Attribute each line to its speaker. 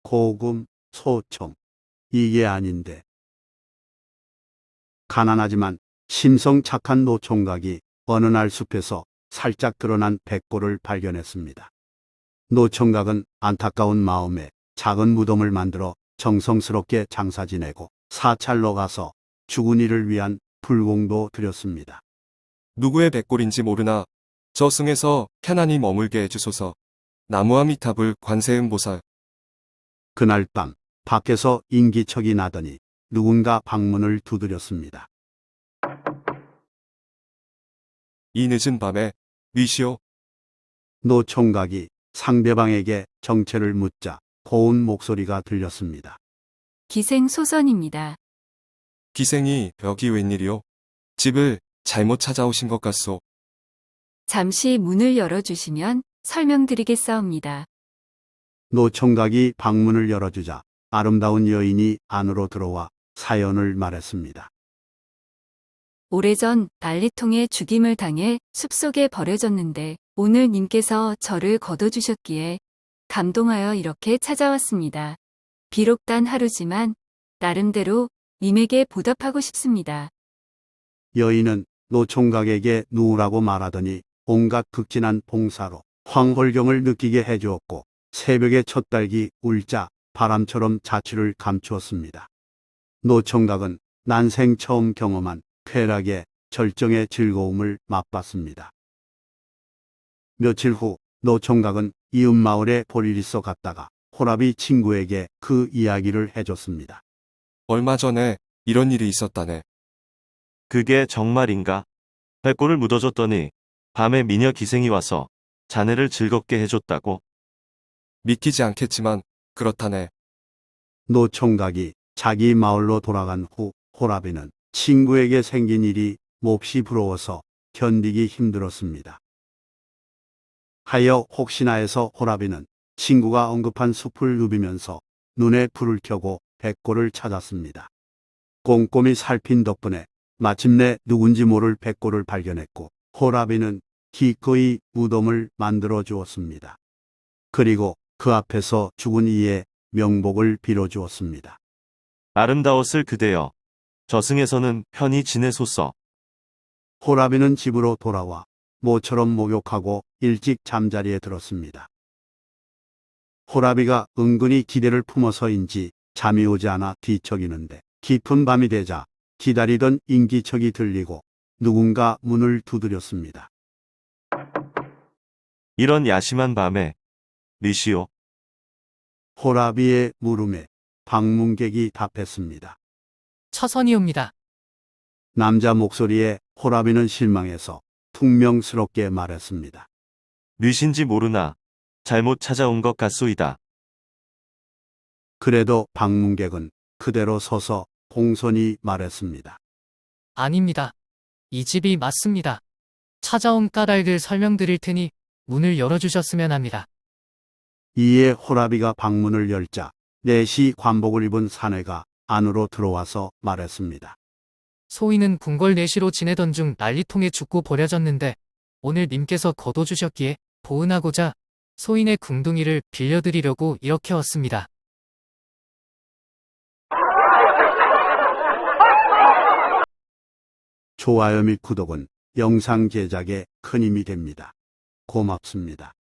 Speaker 1: 고금, 소청. 이게 아닌데. 가난하지만 심성 착한 노총각이 어느 날 숲에서 살짝 드러난 백골을 발견했습니다. 노총각은 안타까운 마음에 작은 무덤을 만들어 정성스럽게 장사 지내고 사찰로 가서 죽은 이를 위한 불공도 드렸습니다.
Speaker 2: 누구의 백골인지 모르나 저 승에서 편안히 머물게 해주소서. 나무아미타불 관세음보살.
Speaker 1: 그날 밤 밖에서 인기척이 나더니 누군가 방문을 두드렸습니다.
Speaker 2: 이 늦은 밤에 위시오.
Speaker 1: 노총각이 상대방에게 정체를 묻자 고운 목소리가 들렸습니다.
Speaker 3: 기생소선입니다.
Speaker 2: 기생이 여기 웬일이오? 집을 잘못 찾아오신 것 같소.
Speaker 3: 잠시 문을 열어주시면 설명드리겠사옵니다.
Speaker 1: 노총각이 방문을 열어주자 아름다운 여인이 안으로 들어와 사연을 말했습니다.
Speaker 3: 오래전 난리통에 죽임을 당해 숲속에 버려졌는데 오늘 님께서 저를 거둬주셨기에 감동하여 이렇게 찾아왔습니다. 비록 단 하루지만 나름대로 님에게 보답하고 싶습니다.
Speaker 1: 여인은 노총각에게 누우라고 말하더니 온갖 극진한 봉사로 황홀경을 느끼게 해주었고 새벽에 첫 딸기 울자 바람처럼 자취를 감추었습니다. 노총각은 난생 처음 경험한 쾌락의 절정의 즐거움을 맛봤습니다. 며칠 후 노총각은 이웃 마을에 볼일 있어 갔다가 호랍이 친구에게 그 이야기를 해줬습니다.
Speaker 2: 얼마 전에 이런 일이 있었다네.
Speaker 4: 그게 정말인가? 백골을 묻어줬더니 밤에 미녀 기생이 와서 자네를 즐겁게 해줬다고?
Speaker 2: 믿기지 않겠지만 그렇다네.
Speaker 1: 노총각이 자기 마을로 돌아간 후 호랍이는 친구에게 생긴 일이 몹시 부러워서 견디기 힘들었습니다. 하여 혹시나 해서 호랍이는 친구가 언급한 숲을 누비면서 눈에 불을 켜고 백골을 찾았습니다. 꼼꼼히 살핀 덕분에 마침내 누군지 모를 백골을 발견했고 호랍이는 기꺼이 무덤을 만들어 주었습니다. 그리고 그 앞에서 죽은 이의 명복을 빌어주었습니다.
Speaker 4: 아름다웠을 그대여. 저승에서는 편히 지내소서.
Speaker 1: 호랍이는 집으로 돌아와 모처럼 목욕하고 일찍 잠자리에 들었습니다. 호랍이가 은근히 기대를 품어서인지 잠이 오지 않아 뒤척이는데 깊은 밤이 되자 기다리던 인기척이 들리고 누군가 문을 두드렸습니다.
Speaker 4: 이런 야심한 밤에. 리시오.
Speaker 1: 호랍이의 물음에 방문객이 답했습니다.
Speaker 5: 처선이옵니다.
Speaker 1: 남자 목소리에 호랍이는 실망해서 퉁명스럽게 말했습니다.
Speaker 4: 뉘신지 모르나 잘못 찾아온 것 같소이다.
Speaker 1: 그래도 방문객은 그대로 서서 공손히 말했습니다.
Speaker 5: 아닙니다. 이 집이 맞습니다. 찾아온 까닭을 설명드릴 테니 문을 열어주셨으면 합니다.
Speaker 1: 이에 호랍이가 방문을 열자 내시 관복을 입은 사내가 안으로 들어와서 말했습니다.
Speaker 5: 소인은 궁궐 내시로 지내던 중 난리통에 죽고 버려졌는데 오늘 님께서 거둬주셨기에 보은하고자 소인의 궁둥이를 빌려드리려고 이렇게 왔습니다.
Speaker 1: 좋아요 및 구독은 영상 제작에 큰 힘이 됩니다. 고맙습니다.